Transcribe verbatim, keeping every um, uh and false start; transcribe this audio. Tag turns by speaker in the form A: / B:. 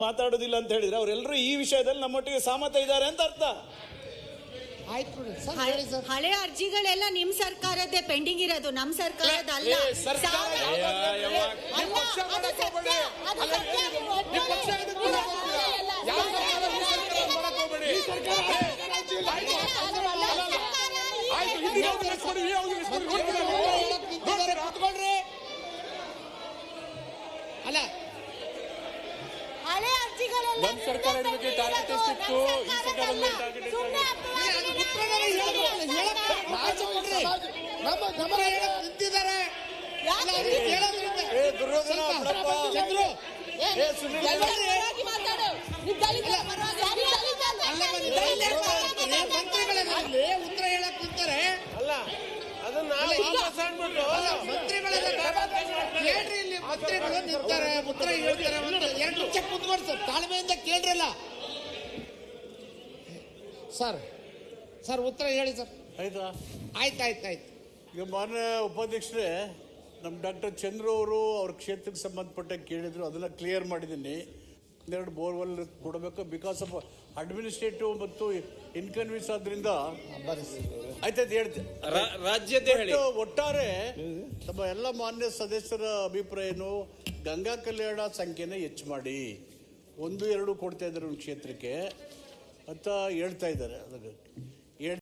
A: ಮಾತಾಡೋದಿಲ್ಲ ಅಂತ ಹೇಳಿದ್ರೆ ಅವರೆಲ್ಲರೂ ಈ ವಿಷಯದಲ್ಲಿ ನಮ್ಮೊಟ್ಟಿಗೆ ಸಹಮತ ಇದ್ದಾರೆ ಅಂತ ಅರ್ಥ.
B: ಹಳೆ ಅರ್ಜಿಗಳೆಲ್ಲ ನಿಮ್ ಸರ್ಕಾರದ್ದೇ ಪೆಂಡಿಂಗ್ ಇರೋದು, ನಮ್ ಸರ್ಕಾರದ ಅಲ್ಲ.
C: ಅಲ್ಲ
B: ಹಳೆ ಅರ್ಜಿಗಳೆಲ್ಲ
D: ನಮ್ಮ ಸರ್ಕಾರದ ಬಗ್ಗೆ ಟಾರ್ಗೆಟ್ ಎಷ್ಟಿತ್ತು, ಈ ಸರ್ಕಾರದ ಟಾರ್ಗೆಟ್
C: ನಮ್ಮ ಗಮನ ನಿಂತಿದ್ದಾರೆ. ಉತ್ತರ ಹೇಳಕ್ ನಿಂತಾರೆ. ಅಲ್ಲ ಅದನ್ನ ಕೇಳ್ರಿ, ಇಲ್ಲಿ ಮಂತ್ರಿಗಳು ನಿಂತಾರೆ, ಉತ್ತರ ಹೇಳ್ತಾರೆ. ಎರಡು ನಿಮಿಷ ಕುತ್ಕೊಂಡು ಸರ್ ತಾಳ್ಮೆಯಿಂದ ಕೇಳ್ರಲ್ಲ. ಸರ್ ಸರ್ ಉತ್ತರ ಹೇಳಿ ಸರ್.
E: ಆಯ್ತಾ?
C: ಆಯ್ತು ಆಯ್ತು ಆಯ್ತು.
E: ಈಗ ಮಾನ್ಯ ಉಪಾಧ್ಯಕ್ಷರೇ, ನಮ್ಮ ಡಾಕ್ಟರ್ ಚಂದ್ರು ಅವರು ಅವ್ರ ಕ್ಷೇತ್ರಕ್ಕೆ ಸಂಬಂಧಪಟ್ಟ ಕೇಳಿದ್ರು, ಅದನ್ನ ಕ್ಲಿಯರ್ ಮಾಡಿದ್ದೀನಿ. ಒಂದೆರಡು ಬೋರ್ವೆಲ್ ಕೊಡಬೇಕು, ಬಿಕಾಸ್ ಆಫ್ ಅಡ್ಮಿನಿಸ್ಟ್ರೇಟಿವ್ ಮತ್ತು ಇನ್ಕನ್ವೀನ್ಸ್ ಆದ್ರಿಂದ ಆಯ್ತಾಯ್ತು ಹೇಳ್ತೇನೆ.
A: ರಾಜ್ಯದ
E: ಒಟ್ಟಾರೆ ನಮ್ಮ ಎಲ್ಲ ಮಾನ್ಯ ಸದಸ್ಯರ ಅಭಿಪ್ರಾಯ ಏನು, ಗಂಗಾ ಕಲ್ಯಾಣ ಸಂಖ್ಯೆನ ಹೆಚ್ಚು ಮಾಡಿ, ಒಂದು ಎರಡು ಕೊಡ್ತಾ ಇದ್ದಾರೆ ಒಂದು ಕ್ಷೇತ್ರಕ್ಕೆ ಅಂತ ಹೇಳ್ತಾ ಇದ್ದಾರೆ. ಅದಕ್ಕೆ